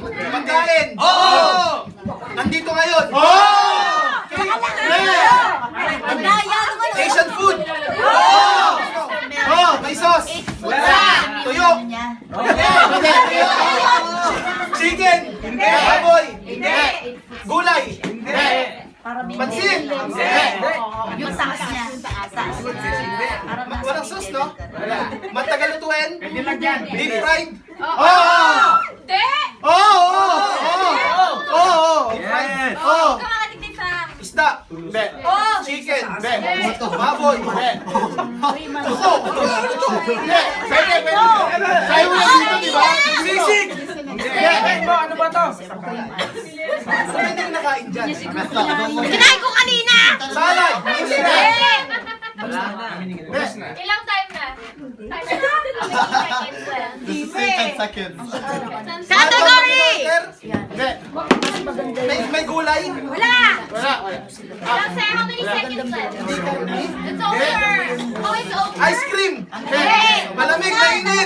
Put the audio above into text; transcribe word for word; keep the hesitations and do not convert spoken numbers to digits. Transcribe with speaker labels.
Speaker 1: Pagkain.
Speaker 2: Oo!
Speaker 1: Nandito ngayon. Asian food. May sauce. Tuyo. Chicken. Baboy. Gulay. Pansit.
Speaker 3: Yung taas niya. Taas.
Speaker 1: Walang sauce, no? Matagal lutuin. Deep fried.
Speaker 4: Hindi!
Speaker 1: Deep fried. Isda. Chicken. Baboy. Puso.
Speaker 2: Sayo mo lang dito, di ba?
Speaker 1: Sisig.
Speaker 2: Ano ba to?
Speaker 1: Saan hindi ko nakain dyan?
Speaker 3: Kinain ko kanina!
Speaker 1: Salad.
Speaker 4: Ilang time na? Seconds
Speaker 2: seconds.
Speaker 3: Category!
Speaker 1: May, may gulay.
Speaker 3: Wala!
Speaker 2: Wala, wala.
Speaker 4: Ilang se- How many seconds left?
Speaker 1: Hindi karni.
Speaker 4: It's over! Oh, it's over!
Speaker 1: Ice cream.
Speaker 3: Hey!
Speaker 1: Malamig, mainit.